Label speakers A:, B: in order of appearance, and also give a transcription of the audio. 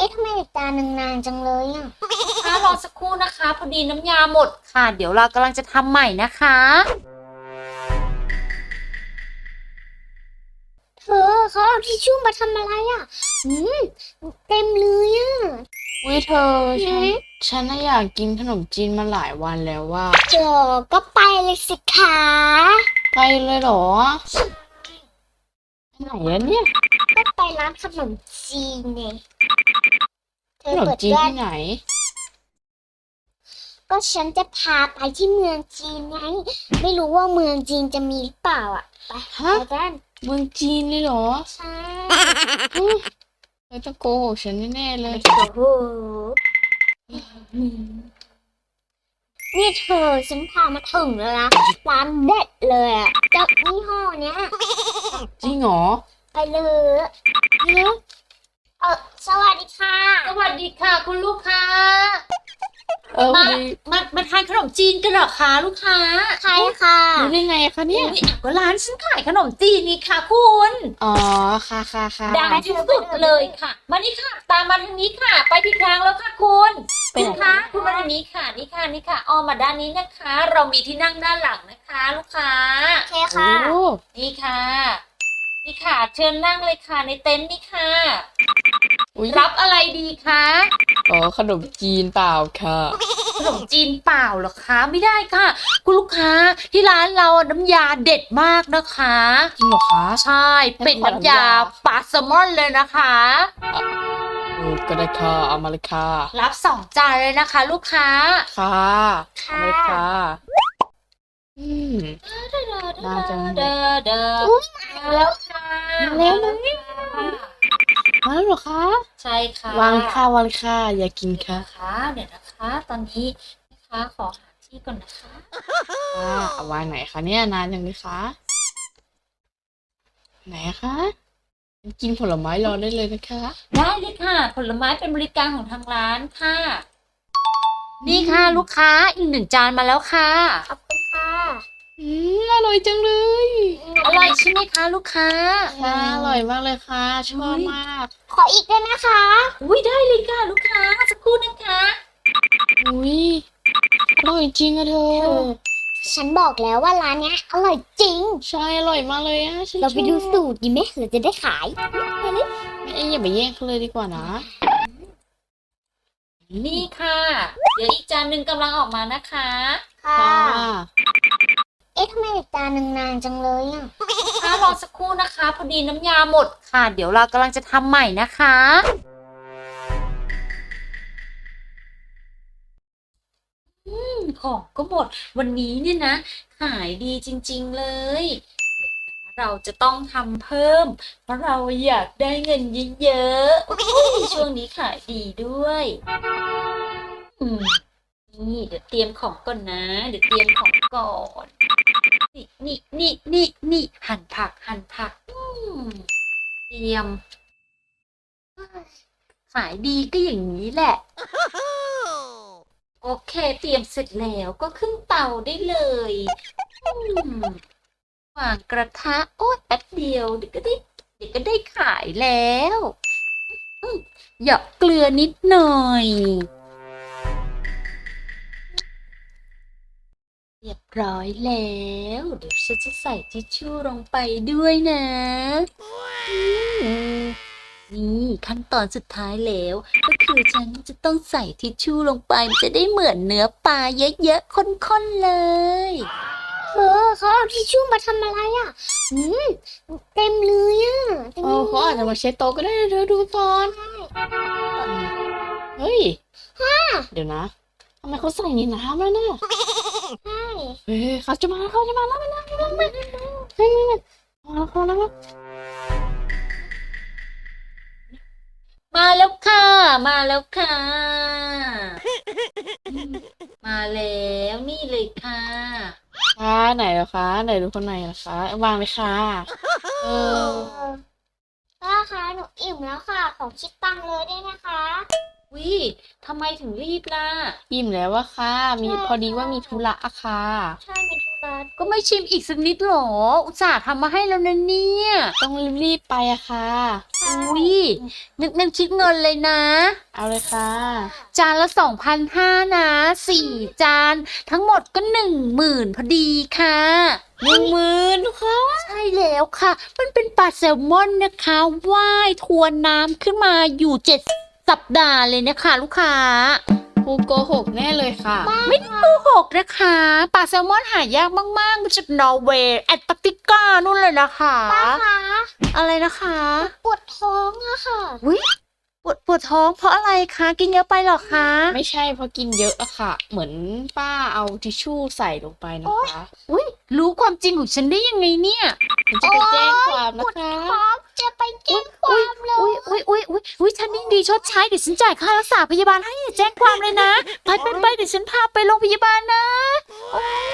A: อ๊ะทำไมอีกจานหนึ่งนานจังเลยอ่ะ
B: รอสักครู่นะคะพอดีน้ำยาหมดค่ะเดี๋ยวเรากำลังจะทำใหม่นะคะ
A: เธอเขาเอาทิชชู่มาทำอะไรอ่ะอืมเต็มเลยอ่ะ
C: วิเธอฉันน่ะอยากกินขนมจีนมาหลายวันแล้วว่า
A: เธอก็ไปเลยสิคะ
C: ไปเลยเหรอไปไหนอะเนี่ย
A: ก็ไปร้านขนมจีนไงเธ
C: ข
A: อน
C: ม
A: เปิด
C: จีน
A: ด้วย
C: ที่ไหน
A: ก็ฉันจะพาไปที่เมืองจีนไงไม่รู้ว่าเมืองจีนจะมีหรือเปล่าอ่ะไป
C: ฮะ
A: ไปกัน
C: เมืองจีนเลยเหรอ
A: ใช่
C: เธอต้องโกหกฉันแน่ๆเลย
A: โอ้โหนี่เธอฉันพามาถึงแล้วนะร้านเด็ดเลยอ่ะเจ้ายี่ห้อเนี้ย
C: จริงเหรอ
A: ไปเลยสวัสดีค่ะ
B: สวัสดีค่ะคุณลูกค้า
C: พอ
B: มา
C: ดี
B: มาทานขนมจีนกันเหรอคะลูกค้า
A: ใครค่ะ
C: รู้ได้ไงคะเนี่ย
B: อุ๊ยก็ร้านฉันขายขนมจีนนี่ค่ะคุณ
C: อ๋อค่ะค่ะค่ะ
B: ดังที่สุดเลยค่ะมานี่ค่ะ ตามมาทางนี้ค่ะ ไปผิดทางแล้วค่ะคุณคุณคะคุณมาทางนี้ค่ะนี่ค่ะนี่ค่ะอ้อมมาด้านนี้นะคะ เรามีที่นั่งด้านหลังนะคะ ลูกค้า
A: โอเค
C: โอ้
A: ค่ะ
B: นี่ค่ะ นี่ค่ะ เชิญนั่งเลยค่ะในเต็นท์นี่ค่ะ
C: อุ๊ย
B: รับอะไรดีคะ
C: อ๋อขนมจีนเปล่าค่ะ
B: ขนมจีนเปล่าเหรอคะไม่ได้ค่ะ คุณลูกค้าที่ร้านเราน้ำยาเด็ดมากนะคะ
C: จริงเหรอคะ
B: ใช่เป็นน้ำยาปลาแซลมอนเลยนะคะ
C: ก็ได้ค่ะเอามาเลยค่ะ
B: รับ2 จานเลยนะคะ ลูกค้า
C: ค่ะเอามาเลยค่ะอืม น่าจะ
B: เดอเดอมาแล้วค่ะ
C: มาแล้วมาแล้วเหรอคะ
B: ใช่ค่ะ
C: วางค่ะวางค่ะอย่ากินค่ะ
B: นะคะเดี๋ยวนะคะ ตอนนี้นะคะขอหาที่ก่อนนะคะ
C: ค่ะเอาวางไหนคะเนี่ยนานยังเลยคะไหนคะกินผลไม้รอได้เลยนะคะ
B: ได้เลยค่ะ ผลไม้เป็นบริการของทางร้านค่ะ นี่ค่ะลูกค้าอีก1 จานมาแล้วค่ะ
A: ขอบคุณค่ะ
C: อร่อยจังเลย
B: อร่อยใช่ไหมคะลูกค้า
C: ค่ะอร่อยมากเลยค่ะชอบมาก
A: ขออีกด้วยนะคะ
B: อุ้ยได้เลยค่ะลูกค้าสักครู่นะคะ
C: อุ้ยอร่อยจริงอะเธอ
A: ฉันบอกแล้วว่าร้านเนี้ยอร่อยจริง
C: ใช่อร่อยมากเลยอะฉัน
A: เราไปดู
C: ชอบ
A: สูตรดีไหมเราจะได้ขายไปเลย
C: อย่าไปแย่งเขาเลยดีกว่านะ
B: นี่ค่ะ เดี๋ยวอีกจานหนึ่งกำลังออกมานะคะ
A: ค่ะ
C: ค่ะ
A: เอ๊ะทำไมอีกจานหนึ่งนานจังเลยอ่ะ
B: รอสักครู่นะคะพอดีน้ำยาหมดค่ะ เดี๋ยวเรากำลังจะทำใหม่นะคะของก็หมดวันนี้เนี่ยนะขายดีจริงๆเลยเดี๋ยวนะเราจะต้องทำเพิ่ม เพราะเราอยากได้เงินเยอะๆอุ๊ยช่วงนี้ขายดีด้วยอืมนี่เดี๋ยวเตรียมของก่อนนะ เดี๋ยวเตรียมของก่อน นี่หั่นผักเตรียมขายดีก็อย่างนี้แหละ โอเคเตรียมเสร็จแล้วก็ขึ้นเตาได้เลยวางกระทะโอ๊ยแป๊บเดียวเดี๋ยวก็ได้ขายแล้วหยอกเกลือนิดหน่อยเรียบร้อยแล้วเดี๋ยวฉันจะใส่ทิชชู่ลงไปด้วยนะนี่ขั้นตอนสุดท้ายแล้วก็คือฉันจะต้องใส่ทิชชู่ลงไปมันจะได้เหมือนเนื้อปลาเยอะๆข้นๆเลย
A: เขาเอาทิชชู่มาทำอะไรอ่ะเต็มเลยอ่ะเต็ม
C: โอ้
A: เลย
C: เขาอาจจะมาเช็ดโต๊ะก็ได้นะเธอดูก่อนเฮ้ยเดี๋ยวนะทำไมเขาใส่ในน้ำแล้วนะ
A: ใช่
C: เฮ้ยเขาจะมาแล้วมาแล้วมาแล้ว
B: มาแล้วค่ะ มาแล้วค่ะ มาแล้วนี่เลยค่ะ
C: ค่ะไหนเหรอคะไหนดูคนไหนเหรอคะวางเลยค่ะเออ
A: ป้าคะหนูอิ่มแล้วค่ะ ขอคิดตังค์เลยได้ไหมคะ
B: วิทำไมถึงรีบล่ะ
C: อิ่มแล้วอะค่ะ พอดีว่ามีธุระอะค่ะ
A: ใช่มีธุระ
B: ก็ไม่ชิมอีกสักนิดหรอ อุตส่าห์ทำมาให้แล้วนะเนี่ย
C: ต้องรีบๆไปอะค่ะ
B: อุ้ยนึกคิดเงินเลยนะ
C: เอาเลยค่ะ
B: จานละ2,500นะ4 จาน ทั้งหมดก็10,000พอดีค่ะ
C: 10,000ค่ะ
B: ใช่แล้วค่ะ มันเป็นปลาแซลมอนนะคะว่ายทวนน้ำขึ้นมาอยู่7 สัปดาห์เลยนะคะ ลูกค้า
C: ครูโกหกแน่เลยค่ะ
B: ไม่ได้โกหกนะคะปลาแซลมอนหายากมากๆมาจากนอร์เวย์แอนตาร์กติกานู่นเลยนะคะ
A: ป้าคะ
B: อะไรนะคะ
A: ปวดท้องอะค่ะ
B: อุ๊ยปวดท้องเพราะอะไรคะกินเยอะไปเหรอคะ
C: ไม่ใช่เพราะกินเยอะอะค่ะ เหมือนป้าเอาทิชชู่ใส่ลงไปนะคะ
B: อุ๊ยรู้ความจริงของฉันได้ยังไงเนี่ย
C: ฉันจะไปแจ้งความนะคะ
A: ท้องจะไปแจ้งความเลย
B: อุ๊ยฉันยิ่งดีชดใช้เดี๋ยวฉันจ่ายค่ารักษาพยาบาลให้แจ้งความเลยนะไปเดี๋ยวฉันพาไปโรงพยาบาลนะโอ๊ย